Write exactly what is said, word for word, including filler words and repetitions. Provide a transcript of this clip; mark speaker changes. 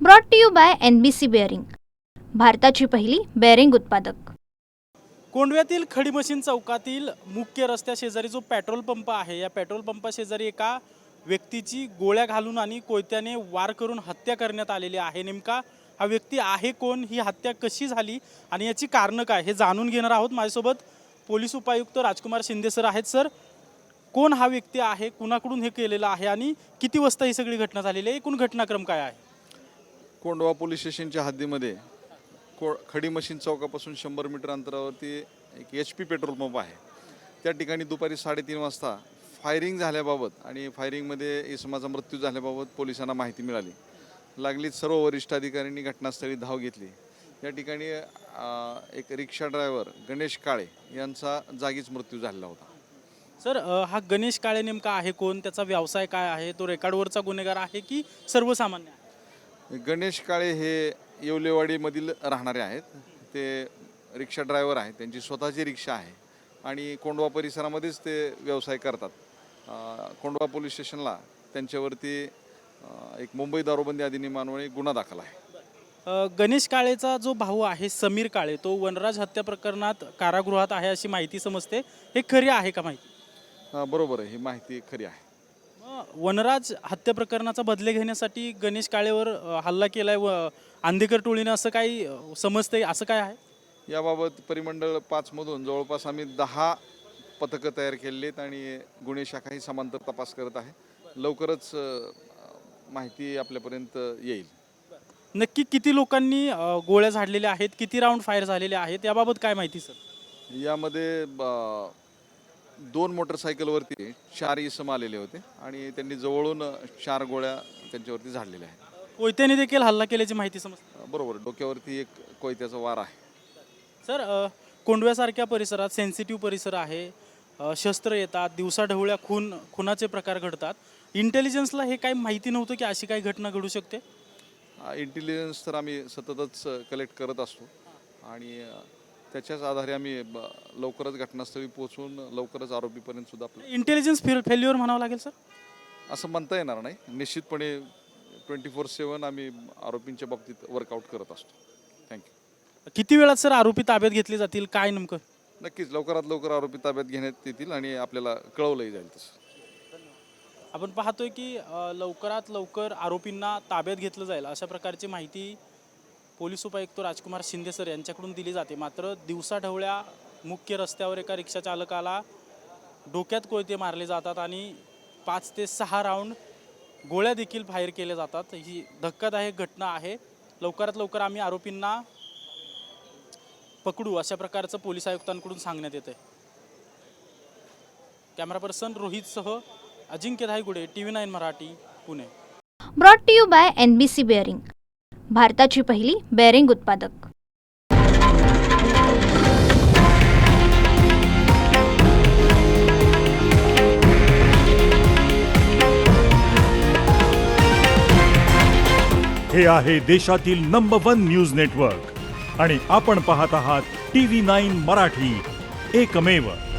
Speaker 1: Brought to you by N B C bearing, भारताची पहिली bearing उत्पादक।
Speaker 2: कोंडव्यातील खडी मशीन चौकातील मुख्य रस्त्या शेजारी जो पेट्रोल पंप आहे, या पेट्रोल पंपा शेजारी एका व्यक्तीची गोळ्या घालून आणि कोयत्याने वार करून हत्या करण्यात आलेली आहे। नेमका हा व्यक्ती आहे कोण, ही हत्या कशी झाली आणि याची कारणं काय, हे जाणून घेणार आहोत। माझ्यासोबत पोलीस उपायुक्त राजकुमार शिंदे सर आहेत। सर, कोण हा व्यक्ती आहे, कुणाकडून हे केलेलं आहे आणि किती वाजता ही सगळी घटना झालेली आहे, एकूण घटनाक्रम काय आहे?
Speaker 3: कोंडवा पोलीस स्टेशनच्या हद्दीमध्ये को खडी मशीन चौकापासून शंभर मीटर अंतरावरती एक एच पी पेट्रोल पंप आहे। त्या ठिकाणी दुपारी साडेतीन वाजता फायरिंग झाल्याबाबत आणि फायरिंगमध्ये इसमाचा मृत्यू झाल्याबाबत पोलिसांना माहिती मिळाली। लागलीच सर्व वरिष्ठ अधिकाऱ्यांनी घटनास्थळी धाव घेतली। या ठिकाणी एक रिक्षा ड्रायव्हर गणेश काळे यांचा जागीच मृत्यू झालेला होता।
Speaker 2: सर, हा गणेश काळे नेमका आहे कोण, त्याचा व्यवसाय काय आहे, तो रेकॉर्डवरचा गुन्हेगार आहे की सर्वसामान्य आहे?
Speaker 3: गणेश काळे हे येवलेवाडीमधील राहणारे आहेत। ते रिक्षा ड्रायव्हर आहेत, त्यांची स्वतःची रिक्षा आहे आणि कोंडवा परिसरामध्येच ते व्यवसाय करतात। कोंडवा पोलीस स्टेशनला त्यांच्यावरती एक मुंबई दारूबंदी अधिनियमान्वये गुन्हा दाखल आहे।
Speaker 2: गणेश काळेचा जो भाऊ आहे समीर काळे, तो वनराज हत्या प्रकरणात कारागृहात आहे अशी माहिती समजते, हे खरी आहे का माहिती?
Speaker 3: बरोबर आहे, ही माहिती खरी आहे।
Speaker 2: वनराज हत्या प्रकरणाचा बदले घेण्यासाठी गणेश काळेवर हल्ला केलाय व आंदेकर टोळीने, असं काही समजते, असं काय आहे?
Speaker 3: याबाबत परिमंडळ पाच मधून जवळपास आम्ही दहा पथकं तयार केलेली आहेत आणि गुन्हे शाखाही समांतर तपास करत आहे। लवकरच माहिती आपल्यापर्यंत येईल।
Speaker 2: नक्की किती लोकांनी गोळ्या झाडलेल्या आहेत, किती राऊंड फायर झालेले आहेत, याबाबत काय माहिती सर?
Speaker 3: यामध्ये दोन मोटरसायकलवरती चार इसम आलेले होते आणि त्यांनी जवळून चार गोळ्या त्यांच्यावरती झाडलेल्या आहेत।
Speaker 2: कोयत्याने देखील हल्ला केल्याची माहिती समजते?
Speaker 3: बरोबर, डोक्यावरती एक कोयत्याचा वार आहे।
Speaker 2: सर, कोंडव्यासारख्या परिसरात सेन्सिटिव्ह परिसर आहे, शस्त्र येतात, दिवसाढवळ्या खून खुनाचे प्रकार घडतात, इंटेलिजन्सला हे काही माहिती नव्हतं की अशी काही घटना घडू शकते?
Speaker 3: इंटेलिजन्स तर आम्ही सततच कलेक्ट करत असतो आणि त्याच्याच आधारे आम्ही लवकरच घटनास्थळी पोहोचून लवकरच आरोपीपर्यंत सुद्धा आपलं
Speaker 2: इंटेलिजन्स फेल्युअर म्हणावं लागेल सर?
Speaker 3: असं म्हणता येणार नाही, निश्चितपणे ट्वेंटी फोर सेवन आम्ही आरोपींच्या बाबतीत वर्कआउट करत असतो। थँक्यू।
Speaker 2: किती वेळात सर आरोपी ताब्यात घेतले जातील, काय नेमकं?
Speaker 3: नक्कीच लवकरात लवकर आरोपी ताब्यात घेण्यात येतील आणि आपल्याला कळवलंही जाईल तसं।
Speaker 2: आपण पाहतोय की लवकरात लवकर आरोपींना ताब्यात घेतलं जाईल अशा प्रकारची माहिती पोलीस उपायुक्त राजकुमार शिंदे सर यांच्याकडून दिली जाते। मात्र दिवसाढवळ्या मुख्य रस्त्यावर एका रिक्षा चालकाला डोक्यात कोयते मारले जातात आणि पाच ते सहा राऊंड गोळ्या देखील फायर केल्या जातात। ही धक्कादायक घटना आहे। लवकरात लवकर आम्ही आरोपींना पकडू अशा प्रकारचं पोलीस आयुक्तांकडून सांगण्यात येतं आहे। कॅमेरा पर्सन रोहितसह Ajinkya Dhaygude, T V nine Marathi, Pune.
Speaker 1: Brought to you by N B C bearing, भारताची पहिली बेअरिंग उत्पादक।
Speaker 4: हे आहे देशातील नंबर वन न्यूज नेटवर्क आणि आपण पाहत आहात टी व्ही नाईन मराठी, एकमेव।